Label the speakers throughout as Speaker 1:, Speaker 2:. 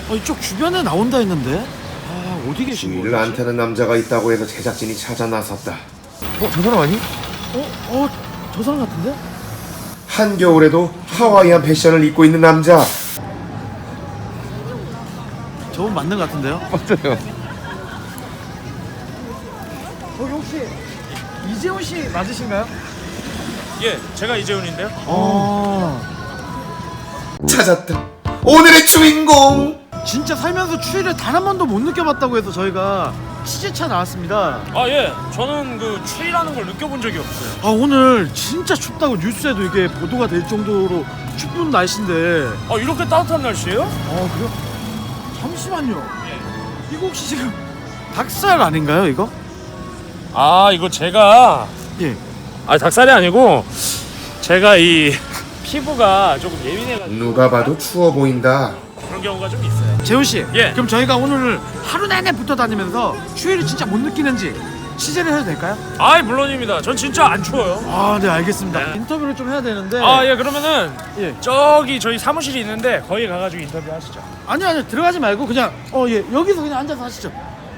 Speaker 1: 이쪽 주변에 나온다 했는데. 어디 계신 거지?
Speaker 2: 주위를 안 타는 남자가 있다고 해서 제작진이 찾아 나섰다.
Speaker 3: 저 사람 아니?
Speaker 1: 저 사람 같은데?
Speaker 2: 한겨울에도 하와이안 패션을 입고 있는 남자.
Speaker 1: 저분 맞는 것 같은데요?
Speaker 3: 맞아요.
Speaker 1: 거기 혹시 이재훈 씨 맞으신가요?
Speaker 4: 예, 제가 이재훈인데요.
Speaker 2: 찾았다. 오늘의 주인공.
Speaker 1: 진짜 살면서 추위를 단 한 번도 못 느껴봤다고 해서 저희가 취재차 나왔습니다.
Speaker 4: 아 예, 저는 그 추위라는 걸 느껴본 적이 없어요.
Speaker 1: 오늘 진짜 춥다고 뉴스에도 이게 보도가 될 정도로 춥은 날씨인데.
Speaker 4: 아 이렇게 따뜻한 날씨예요?
Speaker 1: 그래요? 잠시만요. 이거 혹시 지금 닭살 아닌가요, 이거?
Speaker 4: 아 이거 제가
Speaker 1: 예.
Speaker 4: 닭살이 아니고 제가 이 피부가 조금 예민해가지고
Speaker 2: 누가 봐도 추워 보인다.
Speaker 4: 그런 경우가 좀 있어요.
Speaker 1: 재훈 씨.
Speaker 4: 예.
Speaker 1: 그럼 저희가 오늘 하루 내내 붙어 다니면서 추위를 진짜 못 느끼는지 취재를 해도 될까요?
Speaker 4: 아이 물론입니다. 전 진짜 안 추워요.
Speaker 1: 네, 알겠습니다.
Speaker 4: 네.
Speaker 1: 인터뷰를 좀 해야 되는데.
Speaker 4: 예, 그러면은
Speaker 1: 예.
Speaker 4: 저기 저희 사무실이 있는데 거기 가가지고 인터뷰 하시죠.
Speaker 1: 아니요, 들어가지 말고 그냥 여기서 그냥 앉아서 하시죠.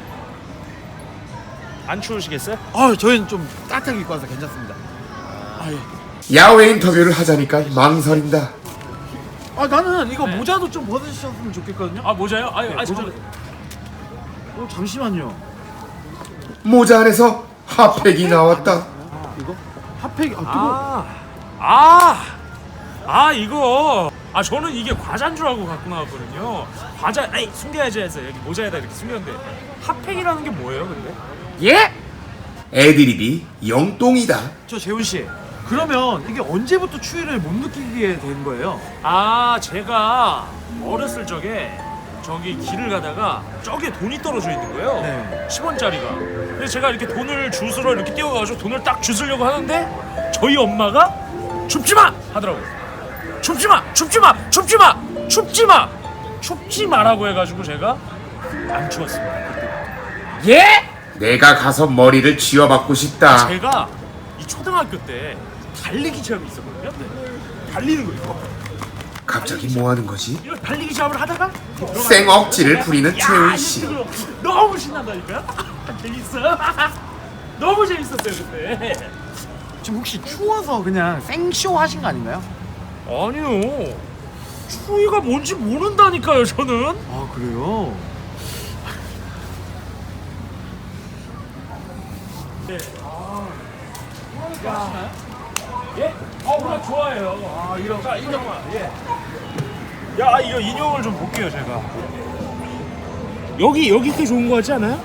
Speaker 4: 안 추우시겠어요?
Speaker 1: 저희는 좀 따뜻하게 입고 와서 괜찮습니다. 예.
Speaker 2: 야외 인터뷰를 하자니까 망설인다.
Speaker 1: 나는 이거 모자도 좀 벗으셨으면 좋겠거든요.
Speaker 4: 모자요?
Speaker 1: 모자. 잠시만요.
Speaker 2: 모자 안에서 핫팩이 나왔다.
Speaker 1: 이거 핫팩.
Speaker 4: 이거 저는 이게 과자인 줄 알고 갖고 나왔거든요. 과자 숨겨야지 해서 여기 모자에다 이렇게 숨겼는데 핫팩이라는 게 뭐예요 근데?
Speaker 1: 예?
Speaker 2: 애드립이 영똥이다.
Speaker 1: 저 재훈 씨. 그러면 이게 언제부터 추위를 못 느끼게 된 거예요?
Speaker 4: 제가 어렸을 적에 저기 길을 가다가 저기에 돈이 떨어져 있는 거예요.
Speaker 1: 네.
Speaker 4: 10원짜리가. 그래서 제가 이렇게 돈을 주스러 이렇게 뛰어가가지고 돈을 딱 주스려고 하는데 저희 엄마가 춥지 마 하더라고요. 춥지 마, 춥지 마, 춥지 마, 춥지 마, 춥지 마라고 해가지고 제가 안 추웠습니다.
Speaker 1: 예?
Speaker 2: 내가 가서 머리를 쥐어받고 싶다.
Speaker 4: 제가 이 초등학교 때 달리기 시합이 있었거든요. 달리는 거 이거.
Speaker 2: 갑자기 뭐 하는 거지?
Speaker 4: 이거 달리기 시합을 하다가
Speaker 2: 생 억지를 부리는 채훈 씨.
Speaker 4: 이거 너무 신난다니까요? 재밌어. 너무 재밌었어요 그때.
Speaker 1: 지금 혹시 추워서 그냥 생쇼 하신 거 아닌가요?
Speaker 4: 아니요. 추위가 뭔지 모른다니까요 저는.
Speaker 1: 그래요?
Speaker 4: 네. 예? 그래 좋아해요. 이런 자 인형만. 예. 야 이거 인형을 좀 볼게요 제가. 여기 게 좋은 거 같지 않아요?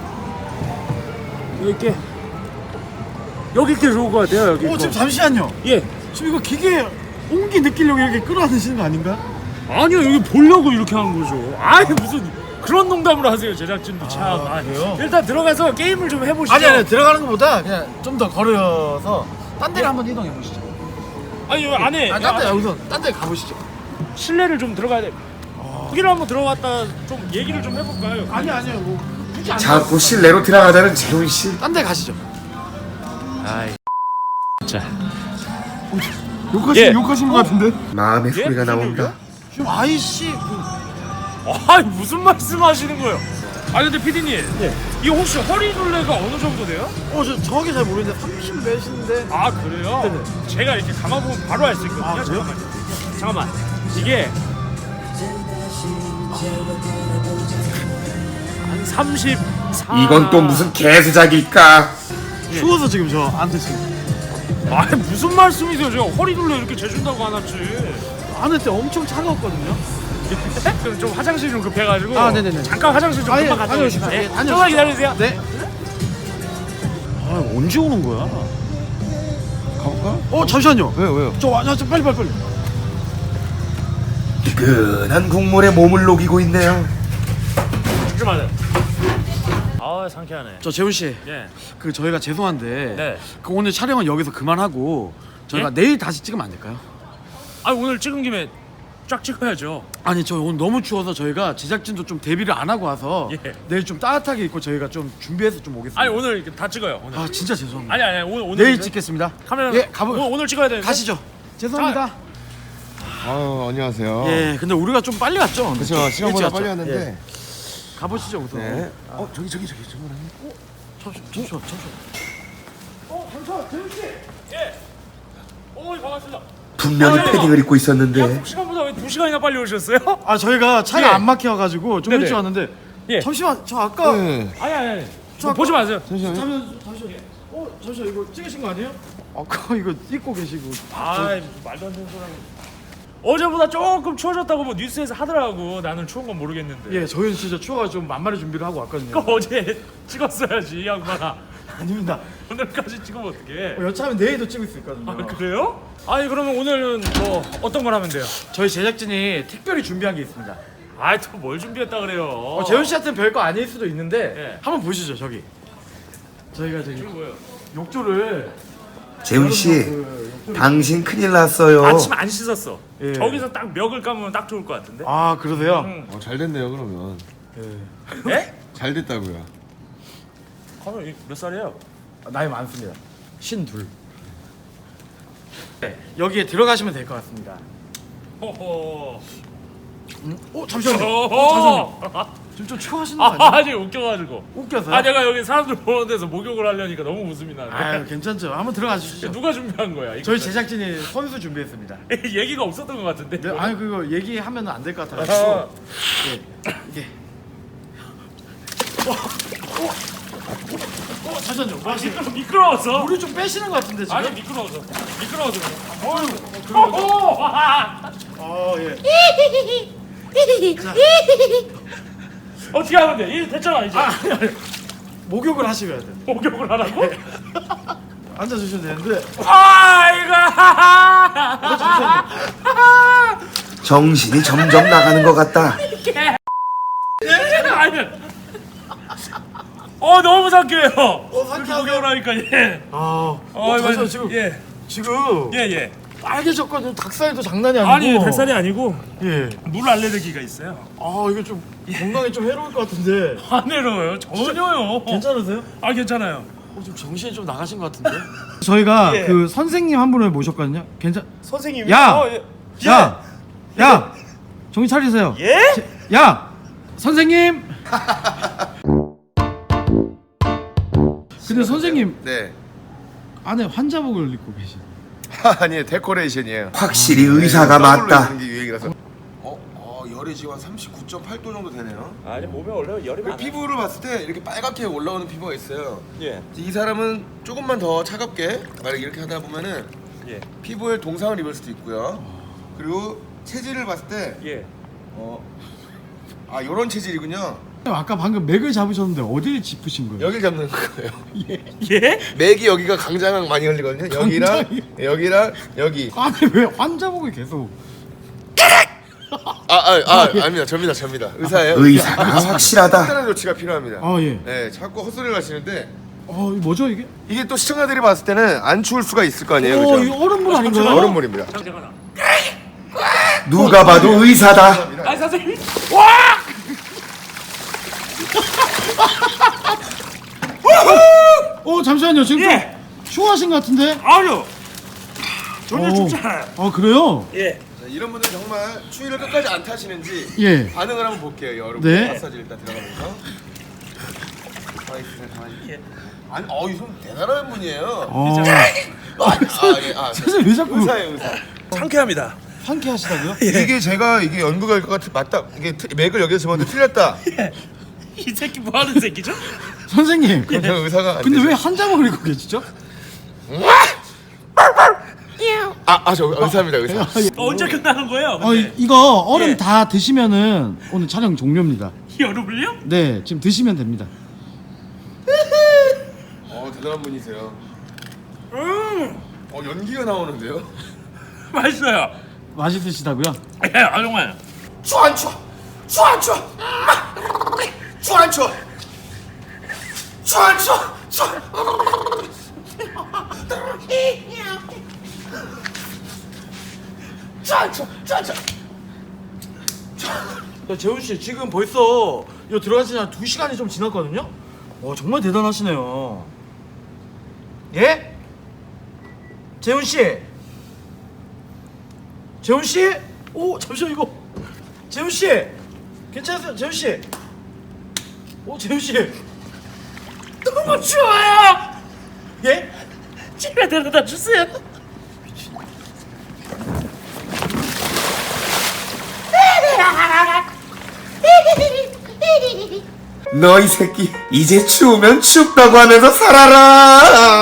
Speaker 4: 여기 게 좋은 거 같아요 여기.
Speaker 1: 지금 잠시만요.
Speaker 4: 예.
Speaker 1: 지금 이거 기계 온기 느끼려고 이렇게 끌어안으시는 거 아닌가?
Speaker 4: 아니요 여기 보려고 이렇게 하는 거죠. 무슨 그런 농담을 하세요 제작진도 참.
Speaker 1: 그래요?
Speaker 4: 일단 들어가서 게임을 좀 해보시죠.
Speaker 1: 아니 들어가는 것보다 그냥 좀 더 걸어서 딴 데를 한번 이동해 보시죠.
Speaker 4: 아니 여기 안에
Speaker 1: 딴 데 여기서 딴 데 가보시죠.
Speaker 4: 실내를 좀 들어가야 돼. 거기를 한번 들어갔다 좀 얘기를 좀 해볼까요?
Speaker 1: 아니요 뭐 굳이 안
Speaker 2: 자꾸 실내로 들어가자는 재훈 씨.
Speaker 1: 딴 데 가시죠.
Speaker 4: 자.
Speaker 1: 욕하신 것 같은데?
Speaker 2: 마음의 소리가 나온다.
Speaker 1: 지금 아이씨
Speaker 4: 무슨 말씀하시는 거예요? 근데 PD님, 이거 혹시 허리둘레가 어느 정도 돼요?
Speaker 1: 저 정확히 잘 모르는데 30 몇인데.
Speaker 4: 그래요?
Speaker 1: 네네.
Speaker 4: 제가 이렇게 감아보면 바로 알 수 있거든요.
Speaker 1: 그래요?
Speaker 4: 잠깐만. 이게 한 34.
Speaker 2: 이건 또 무슨 개수작일까?
Speaker 1: 추워서 지금 저 안에 지금
Speaker 4: 무슨 말씀이세요? 제가 허리둘레 이렇게 재준다고 안 왔지.
Speaker 1: 안에 때 엄청 차가웠거든요.
Speaker 4: 그럼 좀 화장실 좀 급해가지고.
Speaker 1: 네네네.
Speaker 4: 잠깐 화장실 좀 금방 갔다
Speaker 1: 다녀오십시오.
Speaker 4: 오겠습니다.
Speaker 1: 예, 다녀오십시오.
Speaker 4: 조금만 기다리세요.
Speaker 1: 네. 언제 오는 거야?
Speaker 3: 가볼까?
Speaker 1: 잠시만요.
Speaker 3: 왜요?
Speaker 1: 저 빨리.
Speaker 2: 뜨끈한 국물에 몸을 녹이고 있네요.
Speaker 4: 죽지 마세요. 상쾌하네.
Speaker 1: 저 재훈 씨,
Speaker 4: 예.
Speaker 1: 저희가 죄송한데
Speaker 4: 네.
Speaker 1: 오늘 촬영은 여기서 그만하고 저희가
Speaker 4: 예?
Speaker 1: 내일 다시 찍으면 안 될까요?
Speaker 4: 오늘 찍은 김에 쫙 찍어야죠.
Speaker 1: 저 오늘 너무 추워서 저희가 제작진도 좀 대비를 안 하고 와서
Speaker 4: 예.
Speaker 1: 내일 좀 따뜻하게 입고 저희가 좀 준비해서 좀 오겠습니다.
Speaker 4: 오늘 다 찍어요. 오늘.
Speaker 1: 진짜 죄송합니다.
Speaker 4: 아니 오늘
Speaker 1: 내일
Speaker 4: 이제
Speaker 1: 찍겠습니다.
Speaker 4: 카메라.
Speaker 1: 예, 가보.
Speaker 4: 오늘 찍어야 되는데.
Speaker 1: 가시죠. 죄송합니다.
Speaker 2: 아유 안녕하세요.
Speaker 1: 예, 근데 우리가 좀 빨리 왔죠?
Speaker 2: 그렇죠. 시간보다
Speaker 1: 일찍
Speaker 2: 빨리
Speaker 1: 왔죠?
Speaker 2: 왔는데.
Speaker 1: 예. 가보시죠 우선.
Speaker 2: 네. 저기
Speaker 1: 잠시만. 잠시만, 재훈 씨.
Speaker 4: 예. 반갑습니다.
Speaker 2: 분명히 패딩을 입고 있었는데.
Speaker 4: 약속 시간보다 왜 2시간이나 빨리 오셨어요?
Speaker 1: 아 저희가 차가
Speaker 4: 예.
Speaker 1: 안 막혀가지고 좀
Speaker 4: 네네.
Speaker 1: 일찍 왔는데.
Speaker 4: 예.
Speaker 1: 잠시만, 저 아까.
Speaker 2: 네.
Speaker 4: 아니.
Speaker 1: 저 아까-
Speaker 4: 보지 마세요.
Speaker 2: 잠시만요.
Speaker 1: 잠시만. 잠시만 이거 찍으신 거 아니에요? 아까 이거 입고 계시고.
Speaker 4: 아이 말도 안 되는 소리 하고. 어제보다 조금 추워졌다고 뭐 뉴스에서 하더라고. 나는 추운 건 모르겠는데.
Speaker 1: 예, 저희는 진짜 추워가지고 좀 만만히 준비를 하고 왔거든요.
Speaker 4: 그거 어제 찍었어야지 이 양반아.
Speaker 1: 아닙니다.
Speaker 4: 오늘까지 찍으면 어떡해.
Speaker 1: 여차하면 내일도 찍을 수 있거든요.
Speaker 4: 아 그래요? 아니 그러면 오늘은 뭐 어떤 걸 하면 돼요?
Speaker 1: 저희 제작진이 특별히 준비한 게 있습니다.
Speaker 4: 아이 또 뭘 준비했다 그래요?
Speaker 1: 재훈 씨한테는 별거 아닐 수도 있는데
Speaker 4: 예.
Speaker 1: 한번 보시죠 저기. 저희가 저기
Speaker 4: 이거 뭐예요?
Speaker 1: 욕조를
Speaker 2: 재훈 씨,
Speaker 1: 욕조를-
Speaker 2: 당신 큰일 났어요.
Speaker 4: 아침 안 씻었어.
Speaker 1: 예.
Speaker 4: 저기서 딱 멱을 감으면 딱 좋을 것 같은데.
Speaker 1: 아 그러세요?
Speaker 4: 응.
Speaker 3: 잘 됐네요 그러면.
Speaker 4: 예?
Speaker 3: 잘 됐다고요.
Speaker 4: 그러면 몇 살이에요?
Speaker 1: 나이 많습니다. 52. 네, 여기에 들어가시면 될 것 같습니다.
Speaker 4: 호호.
Speaker 1: 잠시만요.
Speaker 4: 호호.
Speaker 1: 지금 좀 추워하시는 거 아니에요?
Speaker 4: 아니 웃겨가지고.
Speaker 1: 웃겨서요?
Speaker 4: 아 내가 여기 사람들 보는 데서 목욕을 하려니까 너무 웃음이 나네.
Speaker 1: 아유 괜찮죠. 한번 들어가 주시죠.
Speaker 4: 누가 준비한 거야? 이거?
Speaker 1: 저희 제작진이 선수 준비했습니다.
Speaker 4: 얘기가 없었던 것 같은데.
Speaker 1: 네, 아니 그거 얘기하면 안 될 것
Speaker 4: 아,
Speaker 1: 같아가지고. 이게. 잠시만요. 뭐 하시는 거예요?
Speaker 4: 미끄러워서.
Speaker 1: 물을 좀 빼시는 것 같은데 지금?
Speaker 4: 아니 미끄러워서. 미끄러워서.
Speaker 1: 그래요. 예.
Speaker 4: 어떻게 하면 돼? 이제 됐잖아 이제.
Speaker 1: 목욕을 하셔야 돼.
Speaker 4: 목욕을 하라고?
Speaker 1: 앉아 주시면 되는데.
Speaker 4: 아이고.
Speaker 2: 정신이 점점 나가는 것 같다.
Speaker 4: 아니. 너무 상쾌해요. 이렇게
Speaker 1: 상쾌하세요?
Speaker 4: 목욕을 하니까 예.
Speaker 1: 잠시만 지금
Speaker 4: 예.
Speaker 1: 지금
Speaker 4: 예.
Speaker 1: 빨개졌거든요. 닭살도 장난이 아니고.
Speaker 4: 아니 뱃살이 아니고
Speaker 1: 예.
Speaker 4: 물 알레르기가 있어요.
Speaker 1: 이거 좀 건강에 좀 해로울 것 같은데.
Speaker 4: 안 해로워요. 전혀요.
Speaker 1: 괜찮으세요?
Speaker 4: 아 괜찮아요.
Speaker 1: 좀 정신이 좀 나가신 것 같은데. 저희가
Speaker 4: 예.
Speaker 1: 그 선생님 한 분을 모셨거든요.
Speaker 4: 선생님이
Speaker 1: 야!
Speaker 4: 예.
Speaker 1: 야! 정신 차리세요.
Speaker 4: 예?
Speaker 1: 야! 선생님! 근데 선생님
Speaker 2: 네.
Speaker 1: 안에 환자복을 입고 계시.
Speaker 2: 아니에요, 데코레이션이에요.
Speaker 1: 네,
Speaker 2: 확실히 의사가 맞다. 게 유행이라서. 열이 지금 한 39.8도 정도 되네요.
Speaker 4: 아니 몸에 원래 열이 많아요.
Speaker 2: 피부를 봤을 때 이렇게 빨갛게 올라오는 피부가 있어요.
Speaker 4: 예.
Speaker 2: 이 사람은 조금만 더 차갑게 만약 이렇게 하다 보면은
Speaker 4: 예.
Speaker 2: 피부에 동상을 입을 수도 있고요. 그리고 체질을 봤을 때
Speaker 4: 예.
Speaker 2: 요런 체질이군요.
Speaker 1: 아까 방금 맥을 잡으셨는데 어디를 짚으신 거예요?
Speaker 2: 여길 잡는 거예요.
Speaker 4: 예?
Speaker 2: 맥이 여기가 강장항 많이 흘리거든요. 여기랑 여기.
Speaker 1: 아니 왜 환자복을 계속?
Speaker 2: 아닙니다. 접니다. 의사예요.
Speaker 1: 의사가
Speaker 2: 확실하다. 특별한 조치가 필요합니다.
Speaker 1: 예.
Speaker 2: 네, 자꾸 헛소리를 하시는데
Speaker 1: 이거 뭐죠 이게?
Speaker 2: 이게 또 시청자들이 봤을 때는 안 추울 수가 있을 거 아니에요,
Speaker 1: 이거
Speaker 2: 그죠?
Speaker 1: 얼음물 아닌가요?
Speaker 2: 얼음물입니다.
Speaker 4: 잠깐만.
Speaker 2: 누가 봐도 의사다.
Speaker 4: 아 선생님.
Speaker 1: 잠시만요. 지금
Speaker 4: 예.
Speaker 1: 좀 추워하신 것 같은데?
Speaker 4: 아니요. 전혀
Speaker 1: 어.
Speaker 4: 춥지 않아요.
Speaker 1: 그래요?
Speaker 4: 예.
Speaker 2: 자, 이런 분들 정말 추위를 끝까지 안 타시는지
Speaker 1: 예.
Speaker 2: 반응을 한번 볼게요, 여러분.
Speaker 1: 네.
Speaker 2: 마사지 일단 들어가면서. 가만히 있으세요, 가만히.
Speaker 4: 예.
Speaker 2: 아니, 이 손 대단한 분이에요.
Speaker 1: 선생님 왜 자꾸
Speaker 2: 의사예요, 의사.
Speaker 4: 상쾌합니다.
Speaker 1: 상쾌하시다고요?
Speaker 2: 이게 제가 이게 연구가 것 같아 맞다. 이게 맥을 여기서 집었는데 틀렸다.
Speaker 4: 이 새끼 뭐 하는 새끼죠?
Speaker 1: 선생님.
Speaker 2: 그럼 제가 의사가 안
Speaker 1: 근데
Speaker 2: 되죠.
Speaker 1: 왜 환자복을 입고 계시죠?
Speaker 2: 저 의사입니다, 의사.
Speaker 4: 언제 끝나는 거예요? 근데?
Speaker 1: 이거 얼음
Speaker 4: 예.
Speaker 1: 다 드시면은 오늘 촬영 종료입니다.
Speaker 4: 여름을요?
Speaker 1: 네, 지금 드시면 됩니다.
Speaker 2: 대단한 분이세요. 연기가 나오는데요?
Speaker 4: 맛있어요.
Speaker 1: 맛있으시다고요?
Speaker 4: 예, 정말.
Speaker 2: 추워 안 추워? 추워 안 추워? 추워 안 추워? 추워 안 추워?
Speaker 1: 재훈 씨 지금 벌써 요 들어간 지 한 2시간이 좀 지났거든요. 정말 대단하시네요. 예? 재훈 씨? 재훈 씨?
Speaker 4: 오 잠시만 이거 재훈 씨 괜찮으세요 재훈 씨? 오 재훈 씨 너무 추워요. 예? 집에 데려다 주세요.
Speaker 2: 너 이 새끼 이제 추우면 춥다고 하면서 살아라.